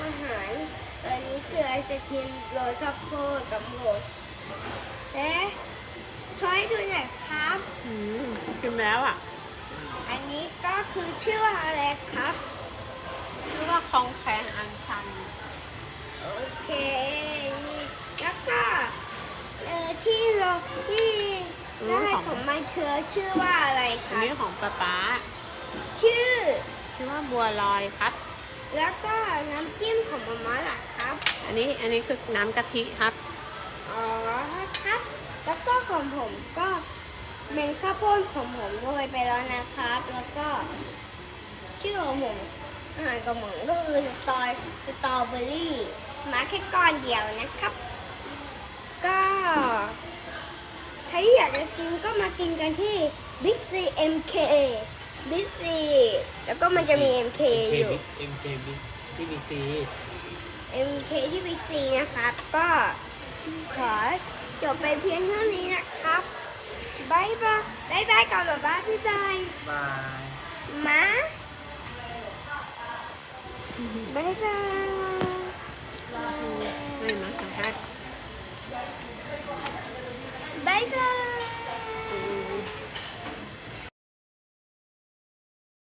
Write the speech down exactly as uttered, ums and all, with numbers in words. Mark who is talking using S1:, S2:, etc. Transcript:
S1: อาหารตัวนี้คือไอศครีมโรยข้าวโพดกับโหดและช่วยดูหน่อยครับ
S2: อืมกินแล้วอ่ะ
S1: อันนี้ก็คือชื่อว่าอะไรครับ
S2: ชื่อว่าคองแคงอันชัน
S1: โอเคนี่แล้วก็เออที่เราที่
S2: อืม
S1: ได้
S2: ของ
S1: ของมันคือชื่อว่าอะไรค
S2: อัน
S1: รับ
S2: นี้ของป๊าป๊า
S1: ชื่อ
S2: ชื่อว่าบัวลอยครับ
S1: แล้วก็น้ำจิ้มของมาม่าล่ะครับ
S2: อันนี้อันนี้คือน้ำกะทิครับ
S1: อ๋อครับ แล้วก็ของผมก็เป็นข้าวโพดของผมโรยไปแล้วนะครับ แล้วก็ชื่อของผมอาหารของผมก็คือสตอสตรอเบอรี่มาแค่ก้อนเดียวนะครับ ก็ใครที่อยากจะกินก็มากินกันที่ Big C เอ็ม เค Big C แล้วก็มันจะมี เอ็ม เค อยู่
S3: เอ็มเคบิ๊กที่บิ๊กซี
S1: เอ็ม เค ที่ Big C นะครับ ก็ขอจบไปเพียงเท่านี้นะครับบายบายบายบายก่อนแบบบ้ายพี่บาย
S3: บาย
S1: มาบายบาย
S2: ไม่มาสัมภาษณ์
S1: บายบาย